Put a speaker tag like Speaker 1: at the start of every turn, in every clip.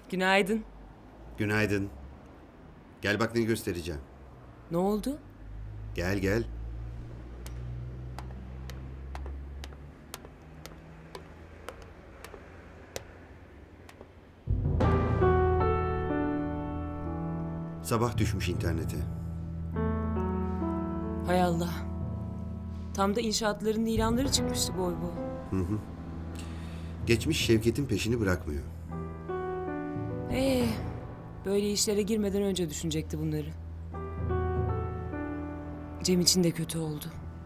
Speaker 1: Günaydın.
Speaker 2: Günaydın. Gel bak ne göstereceğim.
Speaker 1: Ne oldu?
Speaker 2: Gel gel. Sabah düşmüş internete.
Speaker 1: Hay Allah. Tam da inşaatların ilanları çıkmıştı boy boy.
Speaker 2: Geçmiş Şevket'in peşini bırakmıyor.
Speaker 1: Böyle işlere girmeden önce düşünecekti bunları. Cem için de kötü oldu.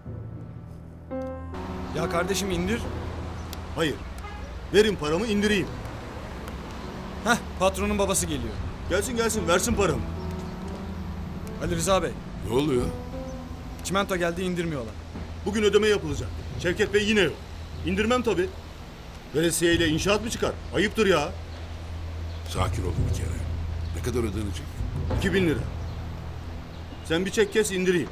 Speaker 3: Ya kardeşim indir.
Speaker 4: Hayır. Verin paramı indireyim.
Speaker 3: Heh, patronun babası geliyor.
Speaker 4: Gelsin gelsin versin paramı.
Speaker 3: Ali Rıza Bey,
Speaker 5: Ne oluyor?
Speaker 3: çimento geldi indirmiyorlar.
Speaker 4: Bugün ödeme yapılacak. Şevket Bey yine yok. İndirmem tabii. Veresiye ile inşaat mı çıkar? Ayıptır ya.
Speaker 5: Sakin olun bir kere. Ne kadar ödenecek?
Speaker 4: 2000 lira. Sen bir çek kes indireyim.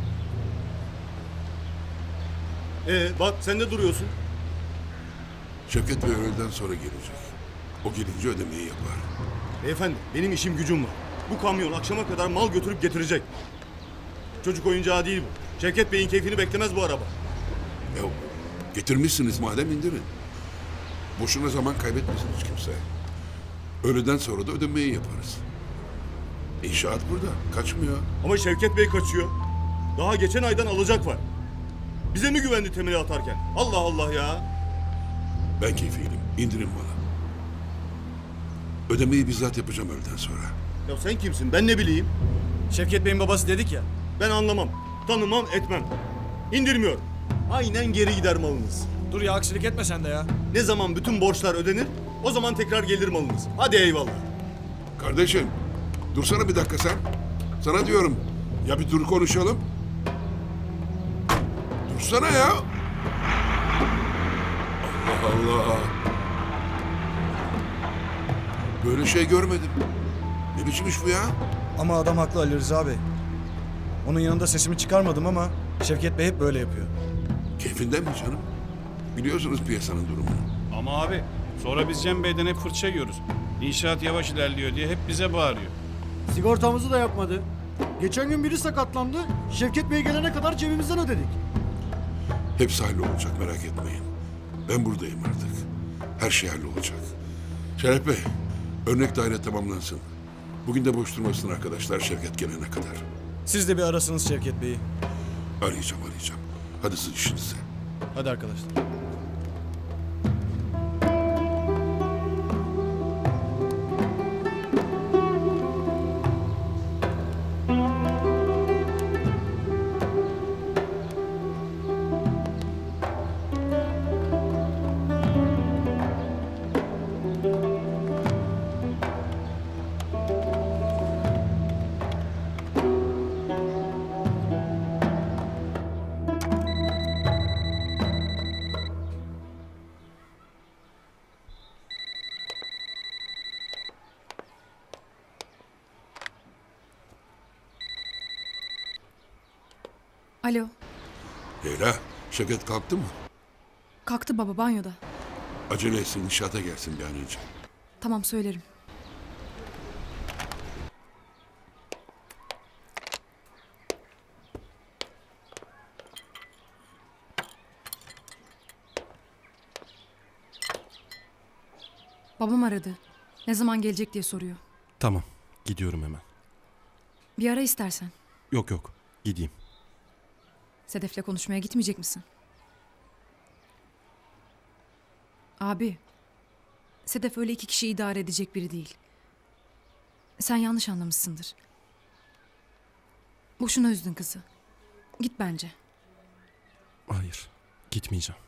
Speaker 4: Bak sen de duruyorsun.
Speaker 5: Şevket Bey öğleden sonra gelecek. O gelince ödemeyi yapar.
Speaker 4: Beyefendi benim işim gücüm var. Bu kamyon akşama kadar mal götürüp getirecek. Çocuk oyuncağı değil bu. Şevket Bey'in keyfini beklemez bu araba.
Speaker 5: Ya getirmişsiniz madem indirin. Boşuna zaman kaybetmesiniz kimse. Öğleden sonra da ödemeyi yaparız. İnşaat burada. Kaçmıyor.
Speaker 4: Ama Şevket Bey kaçıyor. Daha geçen aydan alacak var. Bize mi güvendi temeli atarken? Allah Allah ya.
Speaker 5: Ben keyfiyim. İndirin bana. Ödemeyi bizzat yapacağım öğleden sonra.
Speaker 4: Ya sen kimsin? Ben ne bileyim?
Speaker 3: Şevket Bey'in babası dedik ya.
Speaker 4: Ben anlamam. Tanımam etmem. İndirmiyorum. Aynen geri gider malınız.
Speaker 3: Dur ya aksilik etme sen de ya.
Speaker 4: Ne zaman bütün borçlar ödenir, o zaman tekrar gelir malınız. Hadi eyvallah.
Speaker 5: Kardeşim, dursana bir dakika sen. Sana diyorum. Ya bir dur konuşalım. Dursana ya. Allah Allah. Böyle şey görmedim. Ne biçim iş bu ya?
Speaker 3: Ama adam haklı Ali Rıza Bey. Onun yanında sesimi çıkarmadım ama Şevket Bey hep böyle yapıyor.
Speaker 5: Keyfinden mi canım? Biliyorsunuz piyasanın durumunu.
Speaker 6: Ama abi sonra biz Cem Bey'den hep fırça yiyoruz. İnşaat yavaş ilerliyor diye hep bize bağırıyor.
Speaker 7: Sigortamızı da yapmadı. Geçen gün biri sakatlandı. Şevket Bey gelene kadar cebimizden ödedik.
Speaker 5: Hepsi hallolacak merak etmeyin. Ben buradayım artık. Her şey hallolacak. Şeref Bey, örnek daire tamamlansın. Bugün de boş durmasın arkadaşlar Şevket gelene kadar.
Speaker 3: Siz de bir arasınız Şevket Bey'i.
Speaker 5: Arayacağım. Hadi siz işinize.
Speaker 3: Hadi arkadaşlar.
Speaker 8: Alo.
Speaker 5: Leyla, Şevket kalktı mı?
Speaker 8: Kalktı baba banyoda.
Speaker 5: Acele etsin, inşaata gelsin bir an önce.
Speaker 8: Tamam söylerim. Babam aradı. Ne zaman gelecek diye soruyor.
Speaker 9: Tamam, gidiyorum hemen.
Speaker 8: Bir ara istersen.
Speaker 9: Yok, gideyim.
Speaker 8: Sedef'le konuşmaya gitmeyecek misin? Abi, Sedef öyle iki kişi idare edecek biri değil. Sen yanlış anlamışsındır. Boşuna üzdün kızı. Git bence.
Speaker 9: Hayır, gitmeyeceğim.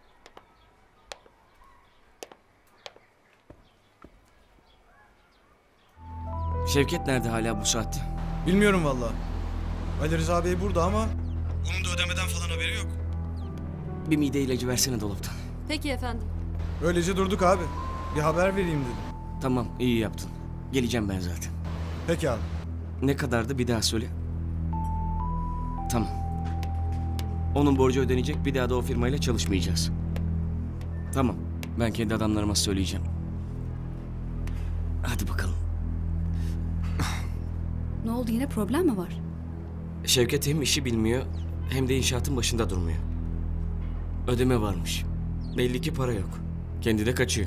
Speaker 10: Şevket nerede hala bu saatte?
Speaker 3: Bilmiyorum vallahi. Ali Rıza Bey burada ama onun da ödemeden falan haberi yok.
Speaker 10: Bir mide ilacı versene dolaptan.
Speaker 8: Peki efendim.
Speaker 3: Öylece durduk abi. Bir haber vereyim dedim.
Speaker 10: Tamam, iyi yaptın. Geleceğim ben zaten.
Speaker 3: Peki abi.
Speaker 10: Ne kadardı bir daha söyle. Tamam. Onun borcu ödenecek, bir daha da o firmayla çalışmayacağız. Tamam, ben kendi adamlarıma söyleyeceğim. Hadi.
Speaker 11: Ne oldu, yine problem mi var?
Speaker 10: Şevket hem işi bilmiyor hem de inşaatın başında durmuyor. Ödeme varmış. Belli ki para yok. Kendi de kaçıyor.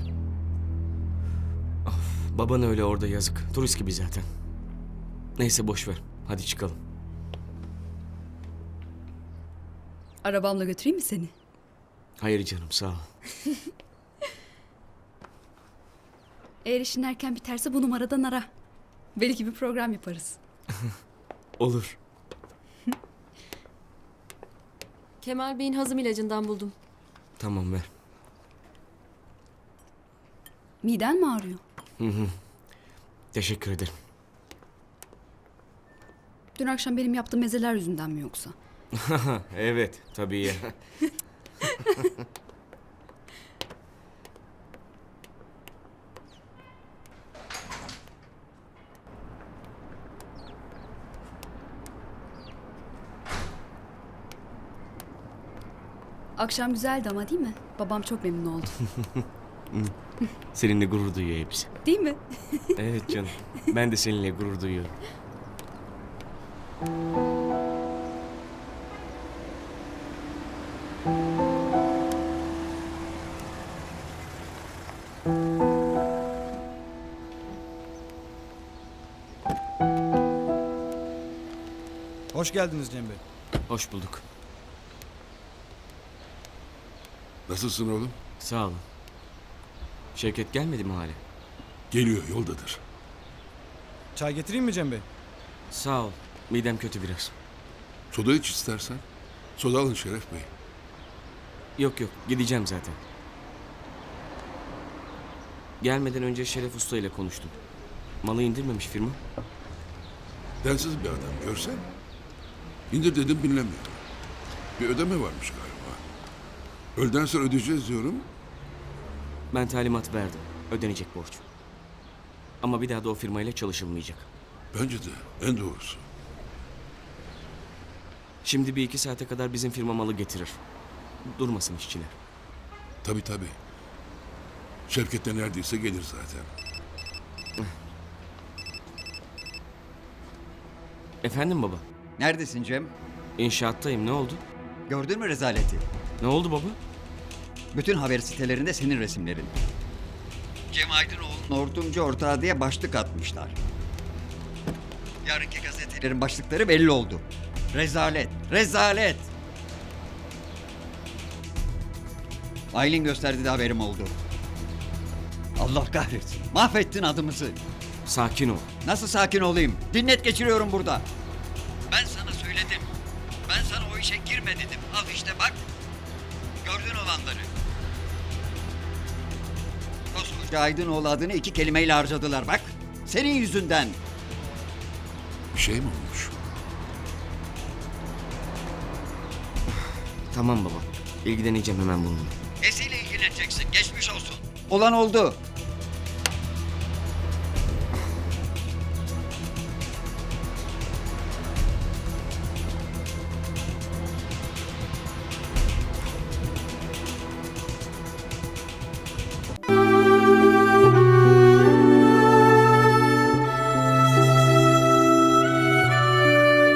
Speaker 10: Of, baban öyle orada yazık. Turist gibi zaten. Neyse boş ver. Hadi çıkalım.
Speaker 11: Arabamla götüreyim mi seni?
Speaker 10: Hayır canım sağ ol.
Speaker 11: Eğer işin erken biterse bu numaradan ara. Belki bir program yaparız.
Speaker 10: Olur.
Speaker 12: Kemal Bey'in hazım ilacından buldum.
Speaker 10: Tamam ver.
Speaker 11: Miden mi ağrıyor?
Speaker 10: Teşekkür ederim.
Speaker 11: Dün akşam benim yaptığım mezeler yüzünden mi yoksa?
Speaker 10: Evet tabii ya.
Speaker 11: Akşam güzeldi ama değil mi? Babam çok memnun oldu.
Speaker 10: Seninle gurur duyuyor hepsi.
Speaker 11: Değil mi?
Speaker 10: Evet canım. Ben de seninle gurur duyuyorum.
Speaker 3: Hoş geldiniz Cem Bey.
Speaker 10: Hoş bulduk.
Speaker 5: Nasılsın oğlum?
Speaker 10: Sağ olun. Şevket gelmedi mi hala?
Speaker 5: Geliyor, yoldadır.
Speaker 3: Çay getireyim mi Cem Bey?
Speaker 10: Sağ ol. Midem kötü biraz.
Speaker 5: Soda iç istersen. Soda alın Şeref Bey.
Speaker 10: Yok yok gideceğim zaten. Gelmeden önce Şeref Usta ile konuştum. Malı indirmemiş firma.
Speaker 5: Densiz bir adam görsen. İndir dedim dinlemiyor. Bir ödeme varmış galiba. Öğleden sonra ödeyeceğiz diyorum.
Speaker 10: Ben talimat verdim. Ödenecek borç. Ama bir daha da o firmayla çalışılmayacak.
Speaker 5: Bence de en doğrusu.
Speaker 10: Şimdi bir iki saate kadar bizim firma malı getirir. Durmasın işçiler.
Speaker 5: Tabii tabii. Şevket de neredeyse gelir zaten.
Speaker 10: Efendim baba?
Speaker 13: Neredesin Cem?
Speaker 10: İnşaattayım ne oldu?
Speaker 13: Gördün mü rezaleti?
Speaker 10: Ne oldu baba?
Speaker 13: Bütün haber sitelerinde senin resimlerin. Cem Aydınoğlu'nun hortumcu ortağı diye başlık atmışlar. Yarınki gazetelerin başlıkları belli oldu. Rezalet, rezalet. Aylin gösterdi de haberim oldu. Allah kahretsin. Mahvettin adımızı.
Speaker 10: Sakin ol.
Speaker 13: Nasıl sakin olayım? Dinlet geçiriyorum burada. Ben sana söyledim. Ben sana o işe girme dedim. Al işte bak. Gördün olanları. Koskoca Aydınoğlu adını 2 kelimeyle harcadılar bak. Senin yüzünden.
Speaker 5: Bir şey mi olmuş?
Speaker 10: Tamam baba. İlgileneceğim hemen bununla.
Speaker 13: Nesiyle ilgileneceksin? Geçmiş olsun. Olan oldu.